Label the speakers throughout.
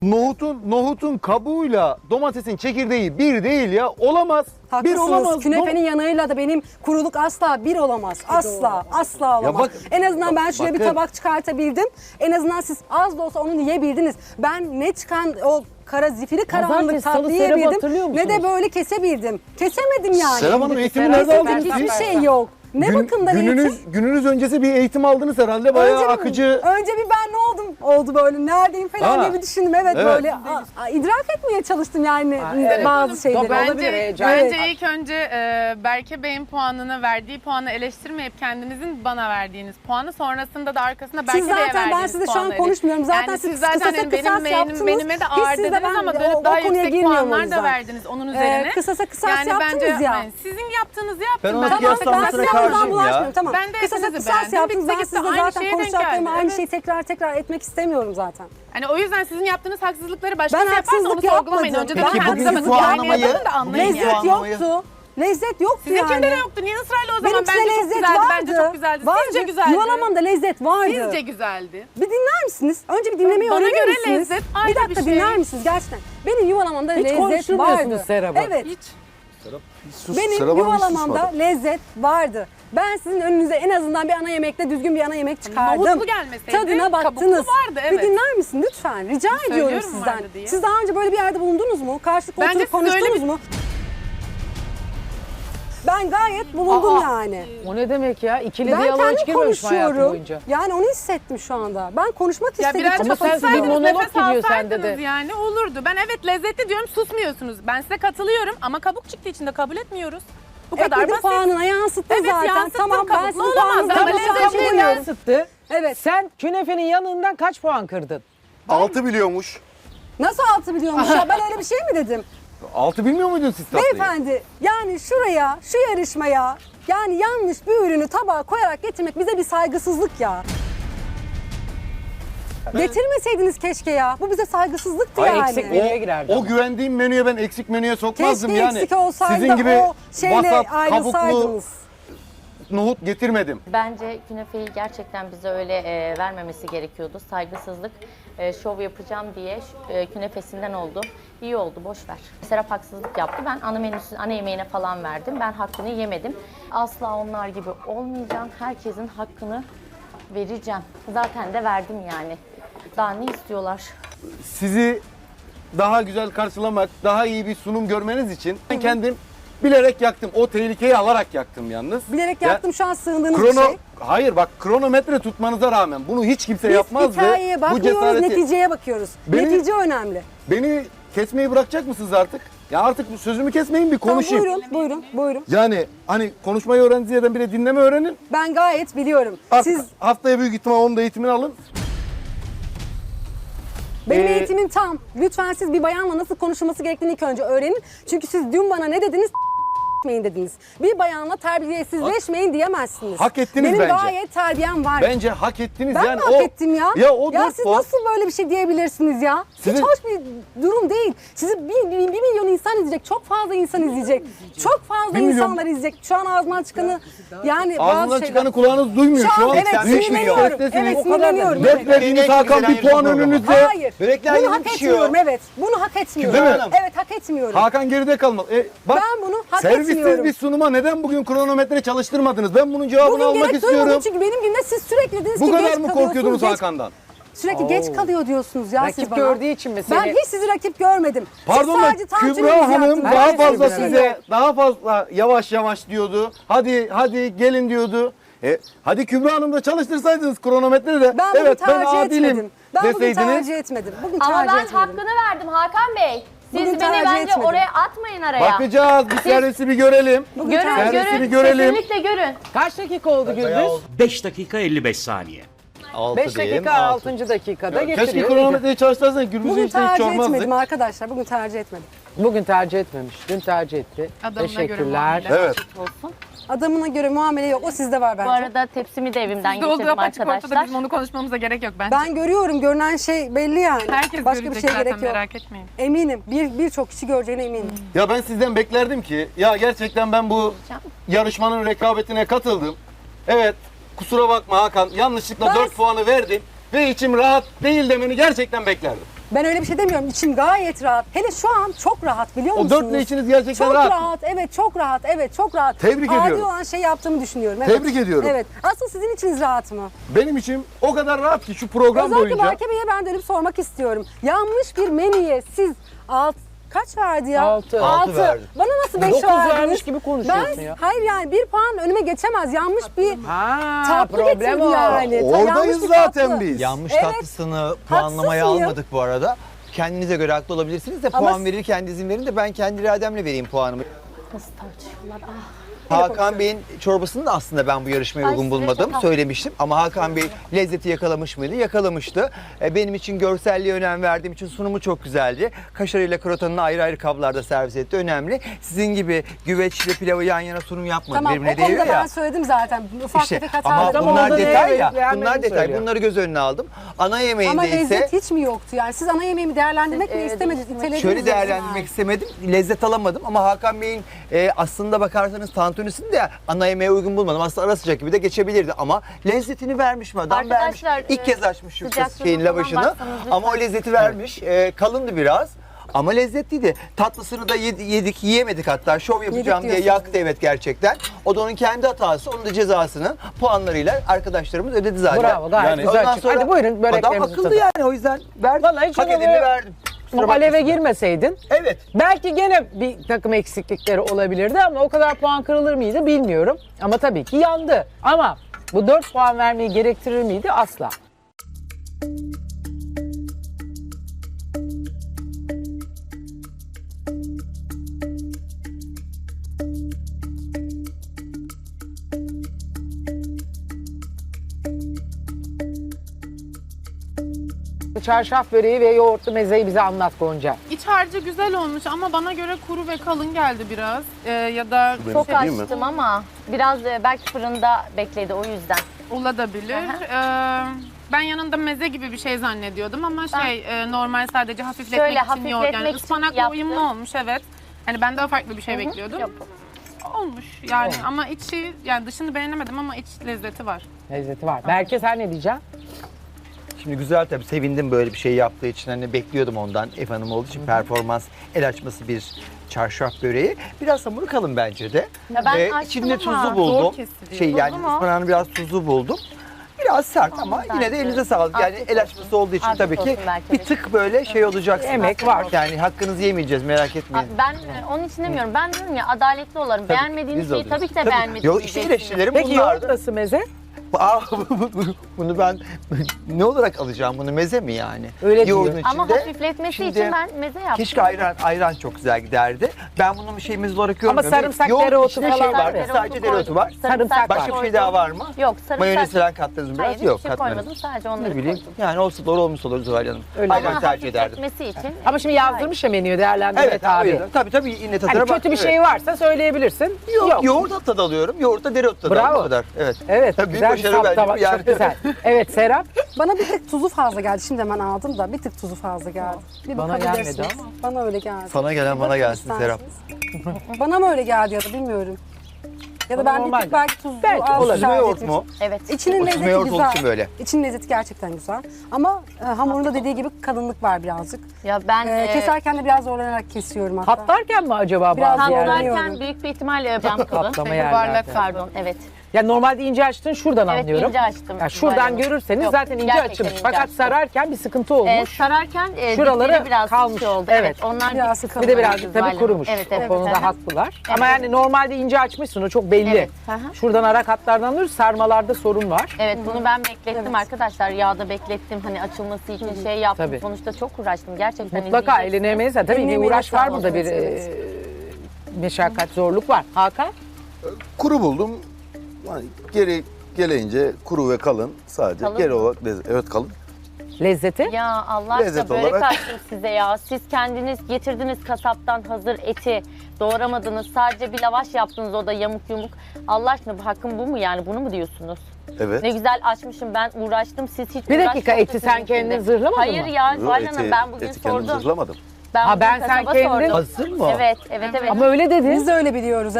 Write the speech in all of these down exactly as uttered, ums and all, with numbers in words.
Speaker 1: Nohutun nohutun kabuğuyla domatesin çekirdeği bir değil ya. Olamaz.
Speaker 2: Haklısınız.
Speaker 1: Bir olamaz.
Speaker 2: Künefenin yanığıyla da benim kuruluk asla bir olamaz. Asla, asla olamaz.
Speaker 1: bak-
Speaker 2: en azından ben şöyle bir
Speaker 1: bakın.
Speaker 2: tabak çıkartabildim. En azından siz az da olsa onu yiyebildiniz. Ben ne çıkan o kara zifiri karanlık
Speaker 3: Pazartesi,
Speaker 2: tatlı
Speaker 3: salı, Serap'ı hatırlıyor
Speaker 2: yiyebildim. Ne de
Speaker 3: musunuz?
Speaker 2: böyle kesebildim. Kesemedim yani.
Speaker 1: Serap Hanım eğitimi
Speaker 3: Serap
Speaker 1: nerede
Speaker 3: Hanım
Speaker 1: aldınız
Speaker 2: Hiçbir
Speaker 1: siz?
Speaker 2: şey yok. Ne
Speaker 1: Gün-
Speaker 2: bakımdan
Speaker 1: gününüz,
Speaker 2: eğitim?
Speaker 1: gününüz öncesi bir eğitim aldınız herhalde. Bayağı
Speaker 2: Önce bir-
Speaker 1: akıcı.
Speaker 2: Önce bir ben ne oldum? Oldu böyle. Neredeyim falan
Speaker 1: Ha.
Speaker 2: diye bir düşündüm. Evet,
Speaker 1: Evet.
Speaker 2: böyle a, a, idrak etmeye çalıştım yani
Speaker 3: evet.
Speaker 2: bazı şeyleri.
Speaker 3: Çok olabilir,
Speaker 4: Bence,
Speaker 3: heyecan.
Speaker 4: bence
Speaker 2: Evet.
Speaker 4: ilk önce e, Berke Bey'in puanını, verdiği puanı eleştirmeyip kendinizin bana verdiğiniz puanı, sonrasında da arkasında Berke
Speaker 2: Siz
Speaker 4: Bey'e
Speaker 2: zaten ben
Speaker 4: verdiğiniz
Speaker 2: size şu
Speaker 4: puanı
Speaker 2: an
Speaker 4: eleştirin.
Speaker 2: konuşmuyorum. Zaten
Speaker 4: yani
Speaker 2: siz
Speaker 4: siz zaten
Speaker 2: kısasa
Speaker 4: hani
Speaker 2: kısas
Speaker 4: benim, benim
Speaker 2: yaptınız.
Speaker 4: benime de
Speaker 2: Hiç
Speaker 4: ağır
Speaker 2: siz de
Speaker 4: dediniz
Speaker 2: ben
Speaker 4: ama
Speaker 2: o-
Speaker 4: dönüp
Speaker 2: o
Speaker 4: daha
Speaker 2: konuya
Speaker 4: yüksek
Speaker 2: girmiyorum o
Speaker 4: puanlar
Speaker 2: yüzden.
Speaker 4: da verdiniz onun üzerine.
Speaker 2: Ee, kısasa kısas
Speaker 4: yani
Speaker 2: yaptınız
Speaker 4: bence,
Speaker 2: ya.
Speaker 4: yani sizin yaptığınızı yaptım.
Speaker 1: Ben ona
Speaker 4: Ben
Speaker 1: kıyas
Speaker 4: kısasa
Speaker 1: yapmasına
Speaker 4: kısas
Speaker 1: karşıyım
Speaker 2: Ben
Speaker 1: ya.
Speaker 2: bulaşmıyorum, tamam.
Speaker 4: Ben de
Speaker 2: Kısasa
Speaker 4: hepinizi
Speaker 2: kısas
Speaker 4: beğendim.
Speaker 2: yaptınız.
Speaker 4: Bitse
Speaker 2: Ben
Speaker 4: gitti,
Speaker 2: sizle
Speaker 4: aynı
Speaker 2: zaten
Speaker 4: şeye denk
Speaker 2: konuşacaklarımı
Speaker 4: geldi.
Speaker 2: aynı
Speaker 4: Evet.
Speaker 2: şeyi tekrar tekrar etmek istemiyorum zaten.
Speaker 4: Hani o yüzden sizin yaptığınız haksızlıkları
Speaker 2: Ben
Speaker 4: başkası yaparsa onu
Speaker 2: haksızlık
Speaker 4: sorgulamayın.
Speaker 2: yapmadım.
Speaker 4: Önceden
Speaker 2: Peki
Speaker 4: kendinize
Speaker 2: bugünkü
Speaker 4: bakın. Yani
Speaker 1: puanlamayı-
Speaker 4: yapın da anlayın
Speaker 1: bugünkü
Speaker 4: yani.
Speaker 2: Lezzet
Speaker 1: puanlamayı-
Speaker 2: yoktu. Lezzet yoktu
Speaker 4: Sizinkinde
Speaker 2: yani.
Speaker 4: de yoktu. Niye ısrarla o zaman?
Speaker 2: Benimkisinde
Speaker 4: Bence çok
Speaker 2: lezzet
Speaker 4: güzeldi.
Speaker 2: vardı.
Speaker 4: Bence çok güzeldi.
Speaker 2: Vardı.
Speaker 4: Sizce güzeldi.
Speaker 2: Yuvalamamda lezzet vardı.
Speaker 4: Sizce güzeldi.
Speaker 2: Bir dinler misiniz? Önce bir dinlemeyi
Speaker 4: Bana
Speaker 2: öğrenir
Speaker 4: göre
Speaker 2: misiniz?
Speaker 4: lezzet
Speaker 2: bir
Speaker 4: ayrı
Speaker 2: dakika
Speaker 4: bir şey.
Speaker 2: dinler misiniz gerçekten? Benim yuvalamamda
Speaker 3: Hiç
Speaker 2: lezzet
Speaker 3: konuşturmuyorsunuz
Speaker 2: vardı.
Speaker 3: Serap'ı.
Speaker 2: Evet.
Speaker 4: Hiç.
Speaker 1: Sus,
Speaker 2: Benim
Speaker 1: Serap Hanım hiç
Speaker 2: yuvalamamda
Speaker 1: susmadı.
Speaker 2: lezzet vardı. Ben sizin önünüze en azından bir ana yemekte düzgün bir ana yemek çıkardım.
Speaker 4: Nohutlu gelmeseydi,
Speaker 2: Tadına
Speaker 4: kabuklu
Speaker 2: baktınız.
Speaker 4: vardı,
Speaker 2: Bir
Speaker 4: evet.
Speaker 2: dinler misin lütfen? Rica ediyorum
Speaker 4: Söylüyorum
Speaker 2: sizden.
Speaker 4: vardı diye.
Speaker 2: Siz daha önce böyle bir yerde bulundunuz mu? Karşılıklı
Speaker 4: Bence
Speaker 2: oturup
Speaker 4: siz öyle
Speaker 2: konuştunuz
Speaker 4: bir-
Speaker 2: mu? Ben gayet bulundum
Speaker 3: Aa,
Speaker 2: yani.
Speaker 3: O ne demek ya? İkili
Speaker 2: Ben
Speaker 3: diyaloğa hiç
Speaker 2: kendim
Speaker 3: girmemiş mi hayatı
Speaker 2: konuşuyorum.
Speaker 3: boyunca?
Speaker 2: Yani onu hissettim şu anda. Ben konuşmak
Speaker 4: Ya
Speaker 2: istedim.
Speaker 4: birazcık
Speaker 3: Ama sen
Speaker 2: Kafası-
Speaker 3: bir
Speaker 4: sussaydınız,
Speaker 3: monolog
Speaker 4: nefes
Speaker 3: gidiyor sende
Speaker 4: alsaydınız
Speaker 3: de.
Speaker 4: yani olurdu. Ben evet lezzetli diyorum, susmuyorsunuz. Ben size katılıyorum ama kabuk çıktı içinde, kabul etmiyoruz. Bu kadar
Speaker 2: Ekledim,
Speaker 4: basit.
Speaker 2: puanına yansıttın
Speaker 4: Evet,
Speaker 2: zaten.
Speaker 4: yansıttım,
Speaker 2: Tamam ben
Speaker 4: kabuklu
Speaker 2: sizin
Speaker 4: olamaz.
Speaker 2: puanınıza
Speaker 4: Ama
Speaker 2: konuşan
Speaker 4: lezzet
Speaker 2: şey
Speaker 4: değil.
Speaker 2: demiyorum.
Speaker 3: Yansıttı.
Speaker 2: Evet.
Speaker 3: Sen künefenin yanından kaç puan kırdın?
Speaker 1: Altı biliyormuş.
Speaker 2: Nasıl altı biliyormuş ya? Ben öyle bir şey mi dedim?
Speaker 1: Altı bilmiyor muydun siz tatlıyı?
Speaker 2: Beyefendi yani şuraya, şu yarışmaya yani yanlış bir ürünü tabağa koyarak getirmek bize bir saygısızlık ya. Getirmeseydiniz keşke ya. Bu bize saygısızlıktı
Speaker 3: Ay,
Speaker 2: yani.
Speaker 3: eksik menüye girerdi
Speaker 1: O
Speaker 3: ama.
Speaker 1: güvendiğim menüye ben eksik menüye sokmazdım
Speaker 2: Keşke
Speaker 1: yani.
Speaker 2: eksik olsaydı
Speaker 1: Sizin gibi
Speaker 2: o şeyle
Speaker 1: vasat, kabuklu
Speaker 2: ayrılsaydınız.
Speaker 1: nohut getirmedim.
Speaker 5: Bence künefeyi gerçekten bize öyle e, vermemesi gerekiyordu. Saygısızlık, e, şov yapacağım diye e, künefesinden oldu. İyi oldu, boş ver. Serap haksızlık yaptı. Ben ana menüsü, ana yemeğine falan verdim. Ben hakkını yemedim. Asla onlar gibi olmayacağım. Herkesin hakkını vereceğim. Zaten de verdim yani. Daha ne istiyorlar?
Speaker 1: Sizi daha güzel karşılamak, daha iyi bir sunum görmeniz için ben kendim bilerek yaktım. O tehlikeyi alarak yaktım yalnız.
Speaker 2: Bilerek
Speaker 1: Ya,
Speaker 2: yaptım şu an sığındığınız
Speaker 1: Krono,
Speaker 2: bir şey.
Speaker 1: hayır bak kronometre tutmanıza rağmen bunu hiç kimse
Speaker 2: Biz
Speaker 1: yapmaz ve
Speaker 2: hikayeye
Speaker 1: bu
Speaker 2: bakmıyoruz,
Speaker 1: cesareti...
Speaker 2: neticeye bakıyoruz.
Speaker 1: Beni-
Speaker 2: Netice önemli.
Speaker 1: Beni kesmeyi bırakacak mısınız artık? Ya artık sözümü kesmeyin bir konuşayım.
Speaker 2: Tamam, buyurun, buyurun, buyurun.
Speaker 1: Yani hani konuşmayı öğrendiğiniz yerden bir de dinleme öğrenin.
Speaker 2: Ben gayet biliyorum.
Speaker 1: Artık
Speaker 2: Siz
Speaker 1: haftaya büyük ihtimal onun da eğitimini alın.
Speaker 2: Benim
Speaker 1: Ee,
Speaker 2: eğitimim tam. Lütfen siz bir bayanla nasıl konuşulması gerektiğini ilk önce öğrenin. Çünkü siz dün bana ne dediniz? etmeyin dediniz. Bir bayanla terbiyesizleşmeyin diyemezsiniz.
Speaker 1: Hak ettiniz
Speaker 2: Benim
Speaker 1: bence.
Speaker 2: gayet terbiyem var.
Speaker 1: Bence hak ettiniz
Speaker 2: ben
Speaker 1: yani.
Speaker 2: mi hak
Speaker 1: o,
Speaker 2: ettim ya?
Speaker 1: Ya o
Speaker 2: ya
Speaker 1: dört
Speaker 2: siz
Speaker 1: puan-
Speaker 2: nasıl böyle bir şey diyebilirsiniz ya?
Speaker 1: Sizin-
Speaker 2: Hiç hoş bir durum değil. Sizi bir, bir, bir milyon insan izleyecek. Çok fazla insan izleyecek. Çok fazla
Speaker 1: Bir milyon-
Speaker 2: insanlar izleyecek. Şu an ağzımdan çıkanı yani
Speaker 1: Ağzından
Speaker 2: bazı şeyler.
Speaker 1: çıkanı kulağınız duymuyor.
Speaker 2: Şu an evet
Speaker 1: büyük
Speaker 2: sinirleniyorum.
Speaker 1: strestesiniz.
Speaker 2: Evet
Speaker 1: O kadar da
Speaker 2: sinirleniyorum.
Speaker 1: Dört
Speaker 2: Evet.
Speaker 1: verdiğiniz Hakan bir puan önünüzde.
Speaker 2: Hayır.
Speaker 6: Börekler
Speaker 2: Bunu
Speaker 6: yeni
Speaker 2: hak
Speaker 6: pişiyor.
Speaker 2: etmiyorum evet. Bunu hak etmiyorum.
Speaker 1: Değil mi?
Speaker 2: Evet hak etmiyorum.
Speaker 1: Hakan geride kalmalı. E, bak,
Speaker 2: Ben bunu hak
Speaker 1: servissiz
Speaker 2: etmiyorum.
Speaker 1: bir sunuma neden bugün kronometre çalıştırmadınız? Ben bunun cevabını
Speaker 2: Bugün
Speaker 1: almak
Speaker 2: gerek duymadım
Speaker 1: istiyorum.
Speaker 2: çünkü benim günde siz sürekli dediniz
Speaker 1: Bu
Speaker 2: ki
Speaker 1: kadar
Speaker 2: geç
Speaker 1: mı
Speaker 2: kalıyorsunuz,
Speaker 1: korkuyordunuz
Speaker 2: geç-
Speaker 1: Hakan'dan?
Speaker 2: Sürekli geç kalıyor diyorsunuz ya siz
Speaker 3: Rakip
Speaker 2: bana.
Speaker 3: gördüğü için mi
Speaker 2: Ben
Speaker 3: seni?
Speaker 2: hiç sizi rakip görmedim.
Speaker 1: Pardon
Speaker 2: siz
Speaker 1: da
Speaker 2: sadece tantuni
Speaker 1: Kübra Hanım
Speaker 2: yaptınız.
Speaker 1: daha
Speaker 3: Herkes
Speaker 1: fazla
Speaker 3: birbirine.
Speaker 1: size daha fazla yavaş yavaş diyordu. Hadi hadi gelin diyordu. E, hadi Kübra Hanım da çalıştırsaydınız kronometreyi de.
Speaker 2: Ben bugün
Speaker 1: evet ben
Speaker 2: tercih
Speaker 1: adilim
Speaker 2: etmedim. Ben bugün
Speaker 1: deseydiniz.
Speaker 2: tercih etmedim. Bugün
Speaker 7: Ama
Speaker 2: tercih
Speaker 7: ben
Speaker 2: etmedim.
Speaker 7: hakkını verdim Hakan Bey. Siz
Speaker 2: Bugün
Speaker 7: beni
Speaker 2: tercih
Speaker 7: bence
Speaker 2: etmedim.
Speaker 7: oraya atmayın araya.
Speaker 1: Bakacağız bir servisi bir görelim.
Speaker 2: Bugün
Speaker 7: Görün
Speaker 2: tercih-
Speaker 1: Servisi bir
Speaker 7: görün.
Speaker 1: görelim.
Speaker 7: Kesinlikle görün.
Speaker 3: Kaç dakika oldu Gürbüz?
Speaker 8: beş dakika elli beş saniye.
Speaker 6: altı
Speaker 3: beş
Speaker 6: diyeyim,
Speaker 3: dakika
Speaker 6: altı.
Speaker 3: altıncı dakikada
Speaker 1: Keşke
Speaker 3: getiriyor.
Speaker 1: kronometreyi çalıştırsaydınız. Gürbüz'ü
Speaker 2: Bugün
Speaker 1: işte hiç
Speaker 2: tercih
Speaker 1: olmazdı.
Speaker 2: etmedim arkadaşlar. Bugün tercih etmedim.
Speaker 3: Bugün tercih etmemiş. Dün tercih etti.
Speaker 4: Adamına göre
Speaker 3: Teşekkürler.
Speaker 4: muamele.
Speaker 1: Evet.
Speaker 7: Olsun.
Speaker 2: Adamına göre muamele yok. O sizde var bence.
Speaker 7: Bu arada tepsimi de evimden
Speaker 4: Sizde olduğu
Speaker 7: getirdim
Speaker 4: apaçık ortada,
Speaker 7: arkadaşlar.
Speaker 4: bizim onu konuşmamıza gerek yok bence.
Speaker 2: Ben görüyorum. Görünen şey belli yani.
Speaker 4: Herkes
Speaker 2: Başka bir
Speaker 4: görecek
Speaker 2: şey
Speaker 4: zaten,
Speaker 2: gerek yok.
Speaker 4: merak etmeyin.
Speaker 2: Eminim. Bir birçok kişi göreceğine eminim.
Speaker 1: Ya ben sizden beklerdim ki ya gerçekten ben bu yarışmanın rekabetine katıldım. Evet kusura bakma Hakan yanlışlıkla
Speaker 2: Ben-
Speaker 1: dört puanı verdim ve içim rahat değil demeni gerçekten beklerdim.
Speaker 2: Ben öyle bir şey demiyorum. İçim gayet rahat. Hele şu an çok rahat biliyor
Speaker 1: O
Speaker 2: musunuz?
Speaker 1: dörtle içiniz gerçekten
Speaker 2: çok
Speaker 1: rahat mı?
Speaker 2: rahat. Evet çok rahat. Evet çok rahat.
Speaker 1: Tebrik
Speaker 2: Adil
Speaker 1: ediyorum.
Speaker 2: olan şey yaptığımı düşünüyorum. Evet.
Speaker 1: Tebrik ediyorum.
Speaker 2: Evet. Asıl sizin içiniz rahat mı?
Speaker 1: Benim için o kadar rahat ki şu program
Speaker 2: Özellikle
Speaker 1: boyunca.
Speaker 2: Berke Bey'e ben dönüp sormak istiyorum. Yanmış bir menüye siz alt kaç verdi ya?
Speaker 3: Altı.
Speaker 6: Altı verdi.
Speaker 2: Bana nasıl beş
Speaker 3: Dokuz
Speaker 2: verdiniz?
Speaker 3: vermiş gibi konuşuyorsun
Speaker 2: ben,
Speaker 3: ya.
Speaker 2: Hayır yani bir puan önüme geçemez. Yanmış bir
Speaker 3: Ha,
Speaker 2: tatlı
Speaker 3: problem
Speaker 2: getirdi
Speaker 3: o.
Speaker 2: yani. Ta-
Speaker 1: Oradayız
Speaker 2: yanmış bir
Speaker 1: zaten
Speaker 2: tatlı.
Speaker 1: biz.
Speaker 6: Yanmış
Speaker 2: Evet.
Speaker 6: tatlısını puanlamaya
Speaker 2: Haksız mıyım?
Speaker 6: almadık bu arada. Kendinize göre haklı olabilirsiniz de
Speaker 2: Ama
Speaker 6: puan
Speaker 2: s-
Speaker 6: verirken izin verin de ben kendi irademle vereyim puanımı.
Speaker 5: Nasıl tartışıyorlar? Ah.
Speaker 6: Hakan Bey'in çorbasını da aslında ben bu yarışmaya
Speaker 5: Ay,
Speaker 6: uygun
Speaker 5: size
Speaker 6: bulmadım.
Speaker 5: çok-
Speaker 6: Söylemiştim ama Hakan Bey lezzeti yakalamış mıydı? Yakalamıştı. E, benim için görselliğe önem verdiğim için sunumu çok güzeldi. Kaşarıyla krotonunu ayrı ayrı kablarda servis etti. Önemli. Sizin gibi güveçle pilavı yan yana sunum yapmadı.
Speaker 2: Tamam
Speaker 6: Birbirine
Speaker 2: o konuda
Speaker 6: değiyor
Speaker 2: ben
Speaker 6: ya.
Speaker 2: söyledim zaten. Ufak
Speaker 6: İşte,
Speaker 2: tefek
Speaker 6: ama
Speaker 2: hatalarım.
Speaker 3: Ama
Speaker 6: bunlar
Speaker 3: orada
Speaker 6: detay
Speaker 3: neye
Speaker 6: ya.
Speaker 3: beğenmediğini
Speaker 6: Bunlar detay.
Speaker 3: söylüyor.
Speaker 6: Bunları göz önüne aldım. Ana
Speaker 2: Ama
Speaker 6: yemeğinde ise
Speaker 2: lezzet hiç mi yoktu? Yani siz ana yemeğimi değerlendirmek
Speaker 5: Siz,
Speaker 2: mi
Speaker 5: e,
Speaker 2: istemediniz?
Speaker 5: değiştirmek-
Speaker 2: İtelediniz
Speaker 6: şöyle
Speaker 2: yani.
Speaker 6: değerlendirmek istemedim. Lezzet alamadım ama Hakan Bey'in e, aslında bakarsanız tantunisini de ana yemeğe uygun bulmadım. Aslında ara sıcak gibi de geçebilirdi ama lezzetini vermiş mi? Adam vermiş.
Speaker 5: Arkadaşlar,
Speaker 6: İlk
Speaker 5: e,
Speaker 6: kez açmış yufka
Speaker 5: sıcaklığına
Speaker 6: şeyin
Speaker 5: falan
Speaker 6: lavaşını
Speaker 5: baksanız lütfen.
Speaker 6: ama o lezzeti vermiş. E, kalındı biraz. Ama lezzetliydi. Tatlısını da yedi- yedik, yiyemedik hatta. Şov yapacağım diye
Speaker 2: diyorsunuz.
Speaker 6: yaktı evet gerçekten. O da onun kendi hatası. Onun da cezasını puanlarıyla arkadaşlarımız ödedi zaten.
Speaker 3: Bravo, gayet
Speaker 1: Yani-
Speaker 3: güzel
Speaker 6: Ondan
Speaker 3: çıktı.
Speaker 6: sonra
Speaker 3: Hadi buyurun
Speaker 6: adam
Speaker 3: böreklerimizi
Speaker 6: akıllı
Speaker 3: tadın.
Speaker 6: yani o yüzden verdim.
Speaker 3: Vallahi hiç
Speaker 6: Hak
Speaker 3: ona
Speaker 6: edeni
Speaker 3: böyle-
Speaker 6: verdim. Kusura
Speaker 3: O aleve
Speaker 6: bakmasınlar.
Speaker 3: girmeseydin
Speaker 6: Evet.
Speaker 3: belki gene bir takım eksiklikleri olabilirdi ama o kadar puan kırılır mıydı bilmiyorum. Ama tabii ki yandı. Ama bu dört puan vermeyi gerektirir miydi? Asla. Çarşaf böreği ve yoğurtlu mezeyi bize anlat Gonca.
Speaker 4: İç harcı güzel olmuş ama bana göre kuru ve kalın geldi biraz. Ee, ya da
Speaker 5: Çok
Speaker 1: Değil mi?
Speaker 5: açtım ama biraz e, belki fırında bekledi o yüzden.
Speaker 4: olabilir.
Speaker 5: Aha.
Speaker 4: Ee, ben yanında meze gibi bir şey zannediyordum ama
Speaker 5: Ben-
Speaker 4: şey e, normal sadece hafifletmek
Speaker 5: Şöyle
Speaker 4: için yoğurt.
Speaker 5: hafifletmek
Speaker 4: Yani
Speaker 5: için
Speaker 4: ıspanakla
Speaker 5: yaptım.
Speaker 4: uyumlu olmuş evet. Hani ben daha farklı bir şey bekliyordum.
Speaker 5: Yok.
Speaker 4: Olmuş yani ama içi yani dışını beğenemedim ama iç lezzeti var.
Speaker 3: Lezzeti var. Berke sen ne diyeceksin?
Speaker 6: Şimdi güzel tabii sevindim böyle bir şey yaptığı için hani bekliyordum ondan ev hanımı olduğu için performans el açması bir çarşaf böreği. Biraz hamuru kalın bence de.
Speaker 5: Ya ben açtım
Speaker 6: içinde
Speaker 5: ama
Speaker 6: tuzlu
Speaker 4: zor
Speaker 6: buldum.
Speaker 4: kesiliyor.
Speaker 6: Şey yani
Speaker 5: Tuzlu mu?
Speaker 6: ıspanağını biraz tuzlu buldum. Biraz sert ama
Speaker 5: Olsun
Speaker 6: yine de
Speaker 5: bence.
Speaker 6: elinize sağlık. Yani
Speaker 5: Afiyet
Speaker 6: el
Speaker 5: olsun.
Speaker 6: açması olduğu için
Speaker 5: Afiyet
Speaker 6: tabii ki
Speaker 5: olsun belki
Speaker 6: bir
Speaker 5: de.
Speaker 6: tık böyle şey olacaksınız.
Speaker 3: Emek var.
Speaker 6: Yani hakkınızı yemeyeceğiz merak etmeyin.
Speaker 5: Ben e, onun için demiyorum. Ben diyorum ya adaletli olalım.
Speaker 6: Tabii,
Speaker 5: Beğenmediğiniz
Speaker 6: biz de
Speaker 5: şeyi
Speaker 6: alıyoruz.
Speaker 5: tabii ki de beğenmediğiniz
Speaker 6: Yok işte eleştirilerim
Speaker 3: Peki yoğurt
Speaker 6: bunlardı.
Speaker 3: nasıl meze?
Speaker 6: Aa, bunu ben ne olarak alacağım bunu meze mi yani?
Speaker 3: Öyle
Speaker 6: Yoğurdun
Speaker 3: diyor.
Speaker 5: Ama
Speaker 6: içinde-
Speaker 5: hafifletmesi
Speaker 6: Şimdi-
Speaker 5: için ben meze yaptım.
Speaker 6: Keşke ayran ayran çok güzel giderdi. Ben bunu bir şeyimiz olarak görmüyorum.
Speaker 3: sarımsak,
Speaker 6: Yoğurt
Speaker 3: dereotu
Speaker 6: içinde
Speaker 3: falan
Speaker 6: şey var.
Speaker 3: var
Speaker 6: mı?
Speaker 3: ya.
Speaker 6: Sadece dereotu var.
Speaker 3: Sarımsak
Speaker 6: Başka bir
Speaker 3: var.
Speaker 6: şey daha var mı?
Speaker 5: Yok sarımsak.
Speaker 6: Mayonez falan kattınız mı biraz?
Speaker 5: Hayır
Speaker 6: Yok
Speaker 5: hiçbir şey
Speaker 6: katmadınız.
Speaker 5: koymadım. Sadece onları
Speaker 6: Ne bileyim.
Speaker 5: koydum.
Speaker 6: Yani olsa doğru olmuş olur Zuhal Hanım.
Speaker 3: Öyle.
Speaker 6: Ayran
Speaker 5: Ama
Speaker 6: tercih ederdim.
Speaker 5: hafifletmesi için.
Speaker 3: Ama şimdi yazdırmış ya menüyü değerlendirme
Speaker 6: Evet
Speaker 3: tabi.
Speaker 6: tabii. Tabii tabii yine tadına
Speaker 3: Hani
Speaker 6: bak.
Speaker 3: kötü bir
Speaker 6: Evet.
Speaker 3: şey varsa söyleyebilirsin.
Speaker 6: Yok, yoğurt tadı alıyorum. Yoğurt da dereotu tadı
Speaker 3: Bravo.
Speaker 6: o kadar. Evet.
Speaker 3: Evet,
Speaker 6: Tabii
Speaker 3: güzel bir
Speaker 6: başarı bence
Speaker 3: saptama.
Speaker 6: bu yani.
Speaker 3: Çok güzel. Evet Serap.
Speaker 2: Bana bir tık tuzu fazla geldi. Şimdi hemen aldım da bir tık tuzu fazla geldi. Bir
Speaker 3: Bana
Speaker 2: bakabilirsiniz.
Speaker 3: gelmedi
Speaker 2: Bana öyle geldi.
Speaker 6: Sana gelen bana
Speaker 2: Bakın
Speaker 6: gelsin Serap.
Speaker 2: isterseniz. Bana mı öyle geldi ya da bilmiyorum. Ya da
Speaker 3: Bana
Speaker 2: ben bir
Speaker 3: normal
Speaker 2: tık belki tuzlu
Speaker 3: Belki
Speaker 2: az
Speaker 3: olabilir.
Speaker 6: Süzme
Speaker 2: tercih
Speaker 6: yoğurt
Speaker 2: etmişim.
Speaker 6: mu?
Speaker 5: Evet.
Speaker 2: İçinin
Speaker 6: O süzme
Speaker 2: lezzeti
Speaker 6: yoğurt olduğu
Speaker 2: güzel.
Speaker 6: için böyle.
Speaker 2: İçinin lezzeti gerçekten güzel. Ama e, hamurunda dediği gibi kalınlık var birazcık.
Speaker 5: Ya ben
Speaker 2: E,
Speaker 5: e,
Speaker 2: keserken de biraz zorlanarak kesiyorum hatta.
Speaker 3: Katlarken mi acaba
Speaker 2: Biraz
Speaker 3: bazı yerler?
Speaker 2: katlarken-
Speaker 5: katlarken büyük bir ihtimalle cam kabı.
Speaker 3: Katlama yerlerde.
Speaker 5: Yuvarlak pardon evet.
Speaker 3: Ya normalde ince açtın şuradan
Speaker 5: Evet
Speaker 3: anlıyorum.
Speaker 5: ince açtım.
Speaker 3: Ya şuradan
Speaker 5: Yuvarlak.
Speaker 3: görürseniz
Speaker 5: Yok,
Speaker 3: zaten ince
Speaker 5: gerçekten
Speaker 3: açılmış.
Speaker 5: ince
Speaker 3: Fakat
Speaker 5: açtım.
Speaker 3: sararken bir sıkıntı
Speaker 5: Ee,
Speaker 3: olmuş.
Speaker 5: sararken e,
Speaker 3: Şuraları
Speaker 5: dipleri biraz
Speaker 3: kalmış.
Speaker 5: şey oldu.
Speaker 3: Evet.
Speaker 5: Evet. Onlar
Speaker 2: Biraz
Speaker 5: dip-
Speaker 2: kalın.
Speaker 3: Bir de birazcık
Speaker 5: Zuhal
Speaker 3: tabii
Speaker 5: Hanım.
Speaker 3: kurumuş.
Speaker 5: Evet
Speaker 3: O
Speaker 5: evet.
Speaker 3: konuda
Speaker 5: evet.
Speaker 3: haklılar.
Speaker 5: Evet.
Speaker 3: Ama yani normalde ince açmışsın o çok belli.
Speaker 5: Evet, hı hı.
Speaker 3: Şuradan ara katlardan alıyoruz. Sarmalarda sorun var.
Speaker 5: Evet bunu ben beklettim
Speaker 2: Evet.
Speaker 5: arkadaşlar. Yağda beklettim. Hani açılması için şey yaptım.
Speaker 3: Tabii.
Speaker 5: Sonuçta çok uğraştım. Gerçekten
Speaker 3: Mutlaka
Speaker 5: izleyeceksiniz.
Speaker 3: eline emeğe zaten. Tabii bir
Speaker 2: Eline emeğine
Speaker 3: uğraş var
Speaker 2: sağlık.
Speaker 3: burada bir
Speaker 2: Evet,
Speaker 3: e, meşakkat, zorluk var. Hakan?
Speaker 1: Kuru buldum. Yani geri geleyince kuru ve kalın sadece.
Speaker 5: Kalın
Speaker 1: geri
Speaker 5: mı?
Speaker 1: olarak lezzet. Evet kalın.
Speaker 3: Lezzeti?
Speaker 5: Ya Allah
Speaker 1: Lezzet
Speaker 5: aşkına börek
Speaker 1: olarak-
Speaker 5: açtım size ya. Siz kendiniz getirdiniz kasaptan hazır eti. Doğramadınız. Sadece bir lavaş yaptınız o da yamuk yumuk. Allah aşkına bu hakkım bu mu yani? Bunu mu diyorsunuz?
Speaker 1: Evet.
Speaker 5: Ne güzel açmışım ben uğraştım. Siz hiç
Speaker 3: Bir dakika,
Speaker 5: uğraşmadınız
Speaker 3: eti sen
Speaker 5: sizin
Speaker 3: kendin
Speaker 5: için de.
Speaker 3: zırlamadın
Speaker 5: Hayır
Speaker 3: mı?
Speaker 5: ya
Speaker 1: Yo,
Speaker 5: Zuhal
Speaker 1: eti-
Speaker 5: Hanım ben bugün
Speaker 1: eti kendim
Speaker 5: sordum.
Speaker 1: zırlamadım.
Speaker 5: Ben
Speaker 3: Ha,
Speaker 5: bugün
Speaker 3: ben sen
Speaker 5: kasaba
Speaker 3: kendin-
Speaker 5: sordum.
Speaker 6: Hazır mı?
Speaker 5: Evet, evet, evet.
Speaker 2: Ama öyle dediniz. Biz de öyle biliyoruz evet.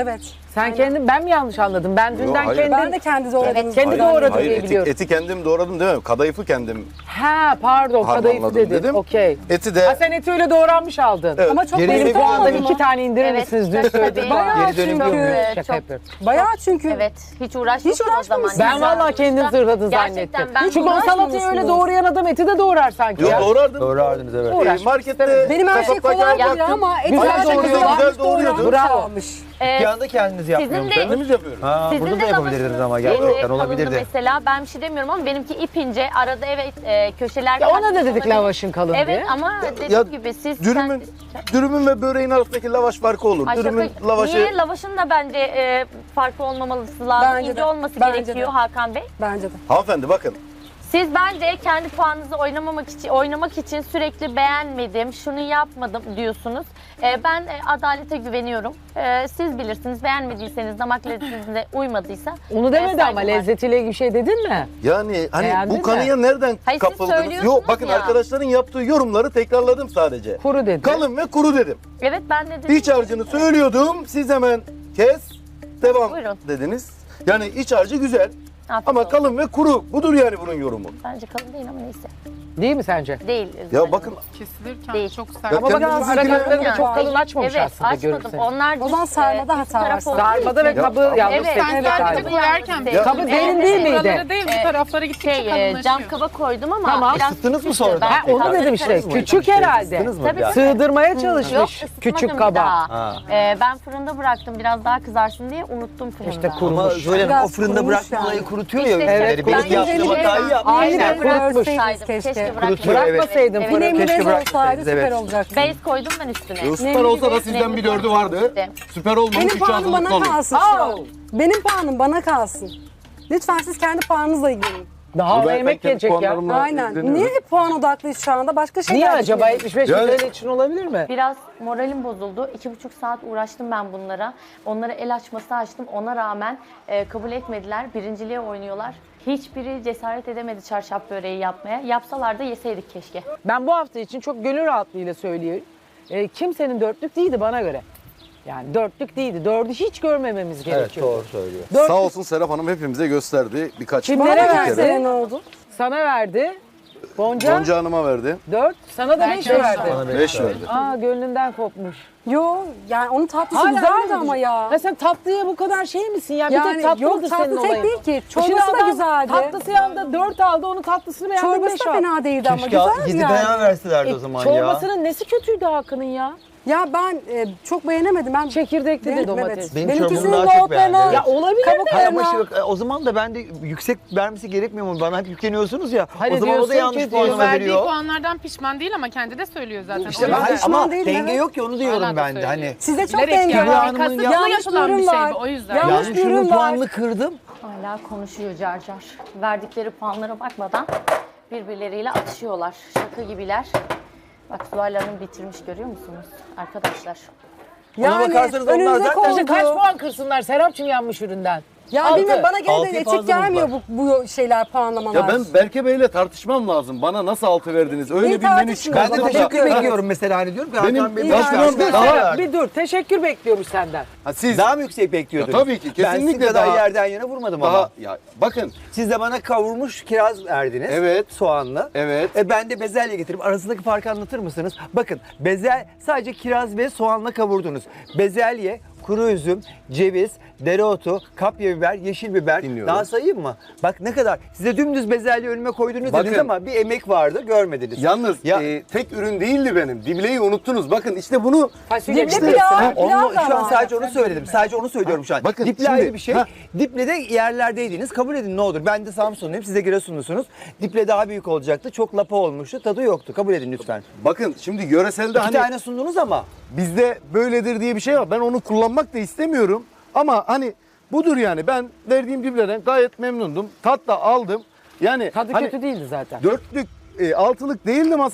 Speaker 3: Sen kendin, ben mi yanlış anladım? Ben dünden
Speaker 1: hayır.
Speaker 3: kendim...
Speaker 2: Ben de kendi doğradığınızı
Speaker 3: kendi
Speaker 2: zannediyorum.
Speaker 3: doğradım
Speaker 1: Hayır,
Speaker 3: diye
Speaker 1: eti,
Speaker 3: biliyorum.
Speaker 1: eti kendim doğradım değil mi? Kadayıfı kendim
Speaker 3: Ha pardon, kadayıfı
Speaker 1: harmanladım
Speaker 3: dedin.
Speaker 1: dedim.
Speaker 3: Okey.
Speaker 1: Eti de
Speaker 3: Ha sen eti öyle doğranmış aldın.
Speaker 1: Evet.
Speaker 2: Ama çok
Speaker 6: Geri
Speaker 3: Benim
Speaker 6: Benim
Speaker 2: lezzetli
Speaker 3: puandan
Speaker 2: oldu
Speaker 3: iki
Speaker 2: mu?
Speaker 3: tane indirir
Speaker 5: Evet,
Speaker 3: misiniz? Dün
Speaker 5: tabii.
Speaker 3: söyledim.
Speaker 2: Bayağı
Speaker 6: Geri dönüm
Speaker 2: çünkü.
Speaker 6: yapıyorum.
Speaker 3: Şaka
Speaker 5: çok-
Speaker 3: yapıyorum.
Speaker 2: Bayağı çünkü.
Speaker 5: Evet, hiç uğraşmıyorsun
Speaker 2: Hiç
Speaker 5: o zaman.
Speaker 2: uğraşmamışsın.
Speaker 3: Ben vallahi kendin zırladın
Speaker 5: Gerçekten
Speaker 3: zannettim.
Speaker 5: ben
Speaker 3: Çünkü o salatayı
Speaker 2: uğraşmıyorsunuz.
Speaker 3: öyle doğrayan adam eti de doğrar sanki
Speaker 1: Yok
Speaker 3: ya.
Speaker 1: doğrardım.
Speaker 6: Doğrardınız evet.
Speaker 1: Ee,
Speaker 3: Uğraşmak
Speaker 1: markette
Speaker 3: istemedim.
Speaker 2: Benim her şey
Speaker 1: kasaptaki
Speaker 2: kolay
Speaker 1: baktım.
Speaker 2: geliyor ama et
Speaker 3: Güzel
Speaker 2: gerçekten
Speaker 3: doğruyorlar.
Speaker 2: güzel
Speaker 1: doğruyordu.
Speaker 2: doğranmış,
Speaker 3: Bravo.
Speaker 2: almış.
Speaker 5: Ee,
Speaker 6: Bir anda kendiniz yapmıyor
Speaker 5: de-
Speaker 6: musunuz?
Speaker 1: Kendimiz yapıyoruz.
Speaker 6: Ha,
Speaker 5: Sizin
Speaker 6: burada
Speaker 5: de
Speaker 6: da yapabilirdiniz
Speaker 5: lavaşınız
Speaker 6: ama
Speaker 5: şeyde
Speaker 6: gerçekten
Speaker 5: kalındı
Speaker 6: olabilirdi.
Speaker 5: Mesela ben bir şey demiyorum ama benimki ip ince. Arada evet e, köşeler...
Speaker 3: Ya ona da
Speaker 5: kaçmış
Speaker 3: dedik
Speaker 5: olabilir.
Speaker 3: lavaşın kalın
Speaker 5: Evet
Speaker 3: diye.
Speaker 5: ama dediğim
Speaker 1: Ya,
Speaker 5: gibi siz...
Speaker 1: Dürümün, dürümün ve böreğin arasındaki lavaş farkı olur.
Speaker 5: Ay
Speaker 1: Dürümün
Speaker 5: şaka-
Speaker 1: lavaşı...
Speaker 5: Niye? Lavaşın da bence e, farklı olmaması lazım.
Speaker 2: Bence
Speaker 5: İnce
Speaker 2: de.
Speaker 5: olması
Speaker 2: Bence
Speaker 5: gerekiyor
Speaker 2: de.
Speaker 5: Hakan Bey.
Speaker 2: Bence de.
Speaker 1: Hanımefendi bakın.
Speaker 5: Siz bence kendi puanınızı oynamamak için oynamak için sürekli beğenmedim, şunu yapmadım diyorsunuz. Ee, ben e, adalete güveniyorum. Ee, siz bilirsiniz. Beğenmediyseniz, damak lezzetinize uymadıysa.
Speaker 3: Onu demedi
Speaker 5: e,
Speaker 3: ama
Speaker 5: saygı var.
Speaker 3: lezzetiyle ilgili bir şey dedin mi?
Speaker 1: Yani hani
Speaker 3: Beğendin
Speaker 1: bu kanıya
Speaker 3: mi?
Speaker 1: nereden
Speaker 5: Hayır, siz
Speaker 1: kapıldınız?
Speaker 5: söylüyorsunuz
Speaker 1: Yok bakın
Speaker 5: ya.
Speaker 1: arkadaşların yaptığı yorumları tekrarladım sadece.
Speaker 3: Kuru dedi.
Speaker 1: Kalın ve kuru dedim.
Speaker 5: Evet ben de dedim.
Speaker 1: İç harcını söylüyordum. Siz hemen kes. Devam
Speaker 5: Buyurun.
Speaker 1: dediniz. Yani iç harcı güzel.
Speaker 5: Afiyet
Speaker 1: Ama
Speaker 5: olsun.
Speaker 1: kalın ve kuru. Budur yani bunun yorumu.
Speaker 5: Bence kalın değil ama neyse.
Speaker 3: Değil mi sence?
Speaker 5: Değil.
Speaker 1: Ya bakın
Speaker 4: Kesilirken
Speaker 5: Değil.
Speaker 4: çok sert.
Speaker 3: Ama bakın
Speaker 1: kendiniz
Speaker 3: ara
Speaker 1: ilgili-
Speaker 3: katlarını da çok
Speaker 5: Yani.
Speaker 3: kalın açmamış
Speaker 5: Evet
Speaker 3: aslında
Speaker 5: açmadım.
Speaker 3: görürseniz.
Speaker 5: Onlar
Speaker 2: O zaman
Speaker 5: düz,
Speaker 2: sarmada
Speaker 5: e,
Speaker 2: hata
Speaker 5: üst taraf
Speaker 2: var.
Speaker 5: olduğu
Speaker 3: Sarmada ve
Speaker 5: için-
Speaker 3: kabı
Speaker 1: Ya,
Speaker 3: yalnız
Speaker 5: Evet.
Speaker 3: seçmiş
Speaker 4: Sen
Speaker 3: galiba.
Speaker 4: sadece koyarken
Speaker 5: Ya-
Speaker 3: Kabı derin
Speaker 5: Evet,
Speaker 3: değil miydi?
Speaker 4: Buraları değil bu
Speaker 5: Ee,
Speaker 4: taraflara gittikçe
Speaker 5: Şey, e,
Speaker 4: kalınlaşıyor.
Speaker 5: cam kaba koydum ama
Speaker 3: Tamam.
Speaker 5: biraz
Speaker 6: Isıttınız mı
Speaker 5: küçüktü.
Speaker 6: sonradan?
Speaker 5: Ben
Speaker 3: Ha onu
Speaker 5: kalın
Speaker 3: dedim işte.
Speaker 5: karıştırdım.
Speaker 3: Küçük herhalde.
Speaker 6: Isıttınız mı
Speaker 5: Tabii.
Speaker 6: biraz?
Speaker 3: Sığdırmaya
Speaker 5: Yok,
Speaker 3: çalışmış
Speaker 5: ısıtmadım
Speaker 3: küçük
Speaker 5: bir
Speaker 3: kaba.
Speaker 5: daha.
Speaker 6: Ha.
Speaker 5: Ee, ben fırında bıraktım biraz daha kızarsın diye unuttum fırında.
Speaker 3: İşte kuru.
Speaker 6: Ama
Speaker 3: Kurumuş.
Speaker 6: Zoyla Hanım o
Speaker 2: Biraz
Speaker 6: fırında
Speaker 2: kurumuş
Speaker 6: bırakma
Speaker 2: yani.
Speaker 6: olayı kurutuyor
Speaker 5: İşte
Speaker 6: ya ürünleri.
Speaker 5: ben
Speaker 6: Benim yaptığım
Speaker 2: güzeli-
Speaker 6: hatayı yapmış.
Speaker 3: Aynen,
Speaker 2: Aynen,
Speaker 3: kurutmuş.
Speaker 2: görseydiniz
Speaker 5: Keşke
Speaker 2: keşke.
Speaker 5: bırakmasaydım.
Speaker 3: Bırakmasaydın
Speaker 5: Evet.
Speaker 3: fırını.
Speaker 2: Bir
Speaker 6: Keşke
Speaker 2: nemli bez olsaydı
Speaker 6: bırakmasaydınız,
Speaker 2: süper
Speaker 6: evet.
Speaker 2: olacaktı.
Speaker 5: Base koydum ben üstüne.
Speaker 1: E, süper olsa da sizden bir dördü vardı. Süper olmamış.
Speaker 2: Benim
Speaker 1: Üçü
Speaker 2: puanım
Speaker 1: hazırlıklı
Speaker 2: bana
Speaker 1: olun.
Speaker 2: kalsın şu
Speaker 3: Aa!
Speaker 2: an. Benim puanım bana kalsın. Lütfen siz kendi puanınızla ilgilenin.
Speaker 3: Daha
Speaker 1: Ben- ben
Speaker 3: yemek
Speaker 1: kendi
Speaker 3: gelecek ya.
Speaker 1: puanlarımla
Speaker 2: Aynen.
Speaker 1: ilgileniyorum.
Speaker 2: Niye hep puan odaklıyız şu anda? Başka şeyler
Speaker 3: Niye acaba
Speaker 2: düşünelim.
Speaker 3: yetmiş beş
Speaker 1: Yani-
Speaker 3: T L için olabilir mi?
Speaker 5: Biraz moralim bozuldu. İki buçuk saat uğraştım ben bunlara. Onlara el açması açtım. Ona rağmen e, kabul etmediler. Birinciliğe oynuyorlar. Hiçbiri cesaret edemedi çarşaf böreği yapmaya. Yapsalar da yeseydik keşke.
Speaker 3: Ben bu hafta için çok gönül rahatlığıyla söylüyorum. E, kimsenin dörtlük değildi bana göre. Yani dörtlük değildi. Dördü hiç görmememiz
Speaker 6: Evet
Speaker 3: gerekiyor.
Speaker 6: doğru söylüyor.
Speaker 3: Dört
Speaker 1: Sağ olsun Serap Hanım hepimize gösterdi. Birkaç
Speaker 3: Kimlere
Speaker 2: Bana
Speaker 1: birkaç
Speaker 3: verdi?
Speaker 1: kere.
Speaker 2: versene ne oldu?
Speaker 3: Sana verdi. Gonca,
Speaker 1: Gonca Hanım'a verdi.
Speaker 3: dört. Sana da beş
Speaker 4: Belki
Speaker 3: verdi.
Speaker 6: Bana
Speaker 1: Beş verdi.
Speaker 3: Aa gönlünden kopmuş.
Speaker 2: Yo yani onun tatlısı
Speaker 3: Hala
Speaker 2: güzeldi
Speaker 3: öyle
Speaker 2: ama
Speaker 3: mi?
Speaker 2: ya.
Speaker 3: Ya sen tatlıya bu kadar şey misin ya? Bir tek
Speaker 2: Yani
Speaker 3: tatlı
Speaker 2: yok,
Speaker 3: mıdır
Speaker 2: tatlı
Speaker 3: senin
Speaker 2: tek
Speaker 3: olayın?
Speaker 2: değil ki.
Speaker 3: Şimdi
Speaker 2: Çorbası da
Speaker 3: adam
Speaker 2: güzeldi.
Speaker 3: Tatlısı yanında dört aldı, onun tatlısını beğendi
Speaker 2: Çorbası
Speaker 3: beş
Speaker 2: da
Speaker 3: aldı.
Speaker 2: fena değildi ama
Speaker 6: Keşke
Speaker 2: güzeldi
Speaker 6: yedi
Speaker 2: yani.
Speaker 6: beğen verselerdi
Speaker 3: E,
Speaker 6: o zaman ya.
Speaker 3: çorbasının nesi kötüydü Hakan'ın ya?
Speaker 2: Ya ben e, çok beğenemedim. Ben
Speaker 3: Çekirdekli de
Speaker 2: Benim-
Speaker 3: domates.
Speaker 2: evet.
Speaker 6: Benim
Speaker 2: Benimkisinin
Speaker 6: çorbamı daha çok
Speaker 2: nohutlarını-
Speaker 6: beğendi,
Speaker 3: Ya olabilir de.
Speaker 6: Hayır ama
Speaker 2: Kabuklarına-
Speaker 6: şimdi, o zaman da ben de yüksek vermesi gerekmiyor mu? Bana hep yükleniyorsunuz ya.
Speaker 3: Hani
Speaker 6: o zaman o da
Speaker 3: diyorsun
Speaker 6: yanlış
Speaker 3: ki
Speaker 6: puanlama
Speaker 4: Verdiği
Speaker 6: veriyor.
Speaker 4: puanlardan pişman değil ama kendi de söylüyor zaten.
Speaker 6: İşte
Speaker 4: O
Speaker 6: ben,
Speaker 4: yüzden-
Speaker 2: pişman
Speaker 6: ama
Speaker 2: değilim,
Speaker 6: denge
Speaker 2: evet.
Speaker 6: yok ki onu diyorum
Speaker 4: Hala da
Speaker 6: ben de.
Speaker 4: söylüyor.
Speaker 6: Hani
Speaker 2: sizde çok
Speaker 4: Bilerek
Speaker 2: denge
Speaker 4: yani.
Speaker 2: var.
Speaker 6: Hanım'ın
Speaker 4: Kasıtlı
Speaker 6: ya-
Speaker 2: Yanlış
Speaker 4: yapılan bir
Speaker 2: ürün
Speaker 4: şey
Speaker 2: var.
Speaker 4: bu o yüzden.
Speaker 2: Yanlış
Speaker 6: yani şunun
Speaker 2: ürün var.
Speaker 6: puanını kırdım.
Speaker 5: Hala konuşuyor car car. Verdikleri puanlara bakmadan birbirleriyle atışıyorlar. Şaka gibiler. Bak Zuhal Hanım bitirmiş görüyor musunuz arkadaşlar?
Speaker 6: Ona bakarsanız onlar
Speaker 2: önünüze
Speaker 6: zaten-
Speaker 2: koydu.
Speaker 3: İşte kaç puan kırsınlar Serapçım yanmış üründen?
Speaker 2: Ya
Speaker 3: Altı.
Speaker 2: bilmiyorum bana gene
Speaker 6: Altıyı
Speaker 2: de
Speaker 6: fazla
Speaker 2: etik gelmiyor
Speaker 6: buldular.
Speaker 2: bu, bu şeyler puanlamalar.
Speaker 1: Ya ben Berke Bey'le tartışmam lazım. Bana nasıl altı verdiniz? Öyle
Speaker 2: İyi
Speaker 1: bir menü
Speaker 2: tartışın o
Speaker 6: Ben
Speaker 1: çıkardı.
Speaker 6: de
Speaker 2: zaman.
Speaker 6: teşekkür
Speaker 2: Bakıyorum.
Speaker 6: bekliyorum mesela hani diyorum ki
Speaker 1: Benim-
Speaker 6: Hakan Bey
Speaker 1: İyi
Speaker 6: boş
Speaker 1: tartışın.
Speaker 6: ver.
Speaker 1: Daha-
Speaker 6: Daha,
Speaker 3: Bir dur, teşekkür bekliyormuş senden.
Speaker 1: Ha, siz
Speaker 6: daha mı yüksek bekliyordunuz?
Speaker 1: Ya tabii ki,
Speaker 6: Ben
Speaker 1: kesinlikle
Speaker 6: sizin kadar
Speaker 1: daha-
Speaker 6: yerden yana vurmadım ama.
Speaker 1: daha ya bakın
Speaker 6: Siz de bana kavurmuş kiraz verdiniz.
Speaker 1: Evet.
Speaker 6: Soğanlı.
Speaker 1: Evet.
Speaker 6: E ben de bezelye getirip arasındaki farkı anlatır mısınız? Bakın bezel sadece kiraz ve soğanla kavurdunuz. Bezelye, kuru üzüm, ceviz, dereotu, kapya biber, yeşil biber.
Speaker 1: Dinliyorum.
Speaker 6: Daha sayayım mı? Bak ne kadar. Size dümdüz bezelye önüme koydunuz
Speaker 1: Bakın.
Speaker 6: dediniz ama bir emek vardı görmediniz.
Speaker 1: yalnız
Speaker 6: Ya-
Speaker 1: e, tek ürün değildi benim. Dibleyi unuttunuz. Bakın işte bunu
Speaker 3: Fasulye
Speaker 2: Dipli
Speaker 3: mi?
Speaker 2: pilav.
Speaker 6: Ha, onu,
Speaker 2: Pilav da
Speaker 6: şu an
Speaker 2: var.
Speaker 6: sadece onu söyledim. Sadece onu söylüyorum şu an.
Speaker 1: Bakın
Speaker 6: Diple
Speaker 1: şimdi-
Speaker 6: ayrı bir şey.
Speaker 1: ha.
Speaker 6: Diple de yerlerdeydiniz. Kabul edin ne olur. Ben de Samsunluyum. Siz de Giresunlusunuz. Diple daha büyük olacaktı. Çok lapa olmuştu. Tadı yoktu. Kabul edin lütfen.
Speaker 1: bakın şimdi yöreselde
Speaker 6: İki
Speaker 1: hani
Speaker 6: tane sundunuz ama.
Speaker 1: bizde böyledir diye bir şey var. Ben onu kullanmak da istemiyorum. Ama hani budur yani. Ben verdiğim diblerden gayet memnundum. Tat da aldım. Yani
Speaker 3: Tadı
Speaker 1: hani
Speaker 3: kötü değildi zaten.
Speaker 1: dörtlük, e, altılık değildi masam.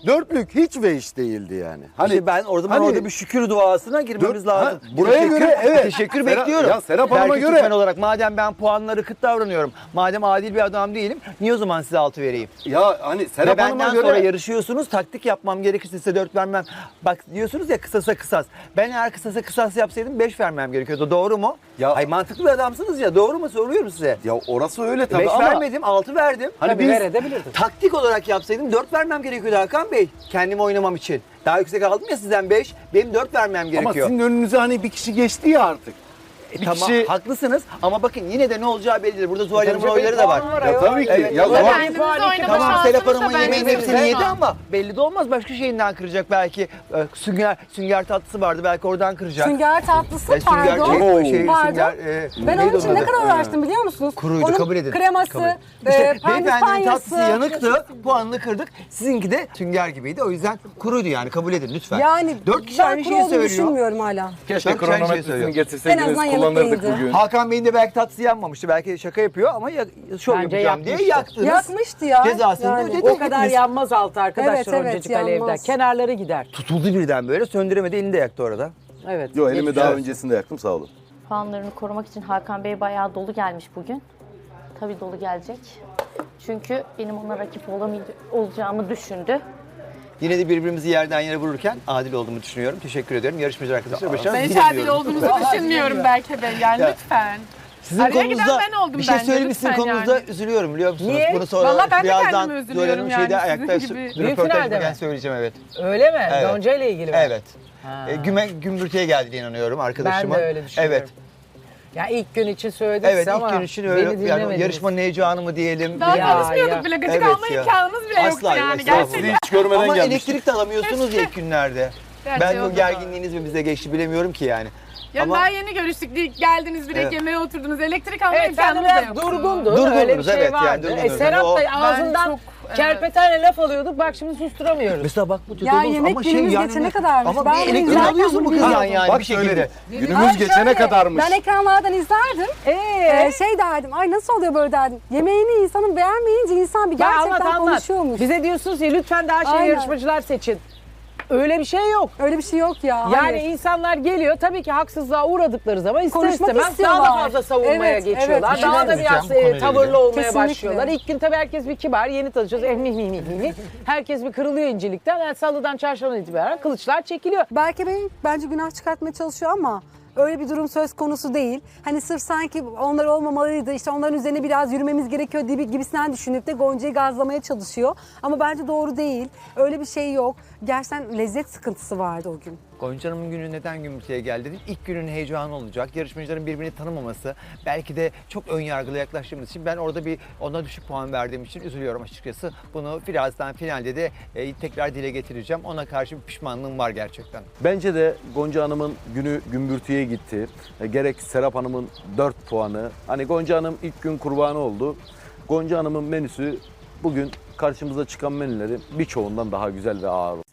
Speaker 1: Dörtlük hiç ve hiç değildi yani. Hani
Speaker 6: İşte ben orada ben
Speaker 1: hani-
Speaker 6: orada bir şükür duasına girmemiz
Speaker 1: Dört- ha,
Speaker 6: lazım.
Speaker 1: buraya
Speaker 6: Teşekkür-
Speaker 1: göre evet.
Speaker 6: Teşekkür
Speaker 1: Serap-
Speaker 6: bekliyorum.
Speaker 1: ya Serap Hanım'a
Speaker 6: Berke
Speaker 1: göre-
Speaker 6: Türkmen olarak madem ben puanları kıt davranıyorum. Madem adil bir adam değilim. Niye o zaman size altı vereyim?
Speaker 1: ya hani
Speaker 6: Ve
Speaker 1: Serap Hanım'a
Speaker 6: benden
Speaker 1: göre
Speaker 6: sonra yarışıyorsunuz. Taktik yapmam gerekirse size dört vermem. Bak diyorsunuz ya kısasa kısas. Ben eğer kısasa kısas yapsaydım beş vermem gerekiyordu. Doğru mu?
Speaker 1: Ya-
Speaker 6: Ay mantıklı bir adamsınız ya. Doğru mu? Soruyorum size.
Speaker 1: ya orası öyle tabii
Speaker 6: beş
Speaker 1: ama
Speaker 6: vermedim, altı verdim.
Speaker 1: hani
Speaker 3: Tabii
Speaker 1: biz
Speaker 3: verebilirdin.
Speaker 6: Taktik olarak yapsaydım dört vermem gerekiyordu Hakan Bey. Kendimi oynamam için. Daha yüksek aldım ya sizden beş. Benim dört vermem
Speaker 1: ama
Speaker 6: gerekiyor.
Speaker 1: sizin önünüze hani bir kişi geçti ya artık.
Speaker 6: E,
Speaker 1: bir
Speaker 6: tamam
Speaker 1: kişi-
Speaker 6: haklısınız ama bakın yine de ne olacağı bellidir. Burada Zuhal Hanım'ın
Speaker 3: Tabii
Speaker 6: oyları da var.
Speaker 3: puan var
Speaker 1: Ya
Speaker 3: ayol.
Speaker 1: tabii ki.
Speaker 6: Evet.
Speaker 1: Ya
Speaker 6: Ama
Speaker 1: Zuhal-
Speaker 6: ben-
Speaker 4: Kendinizi
Speaker 3: puan iki-
Speaker 4: oynama
Speaker 6: Tamam
Speaker 4: şansınız
Speaker 6: Serap
Speaker 4: da
Speaker 6: Hanım'ın
Speaker 4: bence
Speaker 6: yemeğinin
Speaker 4: yok
Speaker 6: hepsini
Speaker 4: şu
Speaker 6: yedi
Speaker 4: an.
Speaker 6: ama belli de olmaz. Başka şeyinden kıracak belki. Ee, Sünger, sünger tatlısı vardı belki oradan kıracak.
Speaker 2: Sünger tatlısı
Speaker 6: E, sünger,
Speaker 2: pardon.
Speaker 6: şey, şey,
Speaker 2: Pardon.
Speaker 6: sünger, e,
Speaker 2: Ben
Speaker 6: neydi
Speaker 2: onun için
Speaker 6: onun
Speaker 2: ne
Speaker 6: adı?
Speaker 2: kadar uğraştım biliyor musunuz?
Speaker 6: Kuruydu,
Speaker 2: Onun
Speaker 6: kabul edin.
Speaker 2: kreması,
Speaker 6: Kabul edin.
Speaker 2: e,
Speaker 6: İşte beyefendinin
Speaker 2: pandispanyası.
Speaker 6: tatlısı yanıktı, puanını kırdık. Sizinki de sünger gibiydi. O yüzden kuruydu yani kabul edin lütfen.
Speaker 2: Yani
Speaker 6: Dört kişi
Speaker 2: ben
Speaker 6: aynı
Speaker 2: kuru
Speaker 6: şeyi
Speaker 2: olduğunu
Speaker 6: söylüyor.
Speaker 2: düşünmüyorum hala.
Speaker 1: Keşke
Speaker 6: Bak, sen şey
Speaker 1: kronometresini
Speaker 6: söylüyorsun.
Speaker 2: En
Speaker 1: getirseydiniz
Speaker 2: azından yanık
Speaker 1: kullanırdık
Speaker 2: değildi.
Speaker 1: bugün.
Speaker 6: Hakan Bey'in de belki tatlısı yanmamıştı. Belki şaka yapıyor ama ya, şov
Speaker 3: Bence
Speaker 6: yapacağım diye
Speaker 3: yakmıştı.
Speaker 6: yaktınız.
Speaker 2: Yakmıştı ya.
Speaker 6: Cezasını
Speaker 2: Yani.
Speaker 6: ödedi.
Speaker 3: O kadar yanmaz altı arkadaşlar
Speaker 2: Evet, evet,
Speaker 3: oncacık alevden.
Speaker 2: yanmaz.
Speaker 3: Kenarları gider.
Speaker 6: Tutuldu birden böyle söndüremedi elini de yaktı orada.
Speaker 3: Evet.
Speaker 1: Yo elimi
Speaker 3: geçmiş
Speaker 1: daha
Speaker 3: olsun.
Speaker 1: öncesinde yaktım sağ olun.
Speaker 5: Puanlarını korumak için Hakan Bey bayağı dolu gelmiş bugün. Tabii dolu gelecek. Çünkü benim ona rakip olamay- olacağımı düşündü.
Speaker 6: Yine de birbirimizi yerden yere vururken adil olduğumu düşünüyorum. Teşekkür ediyorum. Yarışmacı arkadaşlar başarılı
Speaker 4: Ben hiç
Speaker 6: dilemiyorum.
Speaker 4: adil olduğunuzu düşünmüyorum Berke Bey. Yani
Speaker 6: Ya.
Speaker 4: lütfen.
Speaker 6: Sizin
Speaker 4: Araya
Speaker 6: konunuzda
Speaker 4: giden ben oldum
Speaker 6: bir şey
Speaker 4: bence,
Speaker 6: söyleyeyim sizin
Speaker 4: lütfen
Speaker 6: konunuzda
Speaker 4: yani.
Speaker 6: üzülüyorum biliyor musunuz?
Speaker 3: Niye?
Speaker 6: Bunu sonra
Speaker 4: Vallahi ben de
Speaker 6: birazdan
Speaker 4: kendime üzülüyorum
Speaker 6: Zuhal Hanım şeyde
Speaker 4: yani,
Speaker 6: ayakta
Speaker 4: sizin gibi.
Speaker 3: Büyük
Speaker 6: röportaj
Speaker 3: finalde
Speaker 6: yaparken
Speaker 3: mi?
Speaker 6: söyleyeceğim evet.
Speaker 3: Öyle mi?
Speaker 6: Evet.
Speaker 3: Gonca ile ilgili mi?
Speaker 6: Evet.
Speaker 3: Ha.
Speaker 6: E, güme, gümbürtüye geldiğine inanıyorum arkadaşıma.
Speaker 3: Ben de öyle düşünüyorum.
Speaker 6: Evet.
Speaker 3: Ya ilk gün için söylediniz
Speaker 6: Evet
Speaker 3: ama
Speaker 6: ilk gün için
Speaker 3: beni
Speaker 6: öyle yani
Speaker 3: dinlemediniz.
Speaker 6: yarışmanın heyecanı mı diyelim.
Speaker 4: Daha
Speaker 3: Ya,
Speaker 4: konuşmuyorduk
Speaker 3: ya.
Speaker 4: bile. Gıcık
Speaker 6: Evet
Speaker 4: alma
Speaker 6: ya.
Speaker 4: imkanımız bile yoktu
Speaker 6: Asla,
Speaker 4: yani.
Speaker 6: estağfurullah.
Speaker 1: Sizi
Speaker 4: Gerçekten.
Speaker 1: hiç görmeden
Speaker 6: Ama
Speaker 1: gelmiştik.
Speaker 6: elektrik de alamıyorsunuz ya ilk günlerde.
Speaker 4: Gerçi
Speaker 6: Ben
Speaker 4: o
Speaker 6: bu
Speaker 4: da
Speaker 6: gerginliğiniz mi bize geçti bilemiyorum ki yani.
Speaker 4: Ya
Speaker 6: Ama
Speaker 4: daha yeni görüştük. Değil, geldiniz direkt
Speaker 6: Evet.
Speaker 4: yemeğe oturdunuz. Elektrik alma
Speaker 3: Evet sen de
Speaker 4: imkanımız da
Speaker 3: biraz
Speaker 4: yoktu.
Speaker 3: durgundu.
Speaker 6: Durgundunuz,
Speaker 3: Öyle bir şey
Speaker 6: evet, yani
Speaker 3: vardı.
Speaker 6: durgundunuz.
Speaker 3: E, Serap
Speaker 6: O-
Speaker 3: da
Speaker 4: Ben
Speaker 3: ağzından
Speaker 4: çok, evet.
Speaker 3: kerpetenle laf alıyorduk. Bak şimdi susturamıyoruz.
Speaker 6: mesela bak bu
Speaker 2: Ya yemek günümüz geçene kadarmış.
Speaker 6: Ama
Speaker 2: Ben
Speaker 6: bir
Speaker 2: bunu
Speaker 6: elektrik
Speaker 2: izlerken
Speaker 6: alıyorsun bu
Speaker 2: bunu
Speaker 6: kızdan
Speaker 2: biliyordum.
Speaker 6: yani
Speaker 1: Bak
Speaker 6: bir şekilde.
Speaker 1: şöyle, günümüz
Speaker 2: Ay
Speaker 1: geçene
Speaker 2: şöyle,
Speaker 1: kadarmış.
Speaker 2: Ben ekranlardan izlerdim.
Speaker 3: Ee?
Speaker 2: Ee, şey derdim, ay nasıl oluyor böyle derdim. Yemeğini insanın beğenmeyince insan bir
Speaker 3: Ya
Speaker 2: gerçekten
Speaker 3: anlat anlat.
Speaker 2: konuşuyormuş.
Speaker 3: Bize diyorsunuz ya lütfen daha şey
Speaker 2: Aynen.
Speaker 3: yarışmacılar seçin. Öyle bir şey yok.
Speaker 2: Öyle bir şey yok ya.
Speaker 3: Yani
Speaker 2: hayır.
Speaker 3: insanlar geliyor tabii ki haksızlığa uğradıkları zaman ister
Speaker 2: Konuşmak
Speaker 3: istemez daha da
Speaker 2: istiyorlar.
Speaker 3: fazla savunmaya
Speaker 2: Evet,
Speaker 3: geçiyorlar.
Speaker 2: evet.
Speaker 3: Daha da
Speaker 6: Bir şey
Speaker 3: biraz
Speaker 6: söyleyeceğim
Speaker 3: e,
Speaker 6: konuyla
Speaker 3: tavırlı
Speaker 6: ilgili.
Speaker 3: olmaya
Speaker 2: Kesinlikle.
Speaker 3: başlıyorlar. İlk gün tabii herkes bir kibar, yeni tanışıyoruz. Eh, mi, mi, mi, mi, mi. Herkes bir kırılıyor incelikten. Yani salıdan çarşambadan itibaren kılıçlar çekiliyor.
Speaker 2: Berke Bey bence günah çıkartmaya çalışıyor ama öyle bir durum söz konusu değil. Hani sırf sanki onlar olmamalıydı, işte onların üzerine biraz yürümemiz gerekiyor gibi gibisinden düşünüp de Gonca'yı gazlamaya çalışıyor. Ama bence doğru değil. Öyle bir şey yok. Gerçekten lezzet sıkıntısı vardı o gün.
Speaker 6: Gonca Hanım'ın günü neden gümbürtüye geldi dedim. İlk günün heyecanı olacak. Yarışmacıların birbirini tanımaması. Belki de çok ön yargılı yaklaştığımız için ben orada bir ona düşük puan verdiğim için üzülüyorum açıkçası. Bunu birazdan finalde de e, tekrar dile getireceğim. Ona karşı bir pişmanlığım var gerçekten.
Speaker 1: Bence de Gonca Hanım'ın günü gümbürtüye gitti. E, gerek Serap Hanım'ın dört puanı. Hani Gonca Hanım ilk gün kurbanı oldu. Gonca Hanım'ın menüsü bugün karşımıza çıkan menülerin birçoğundan daha güzel ve ağır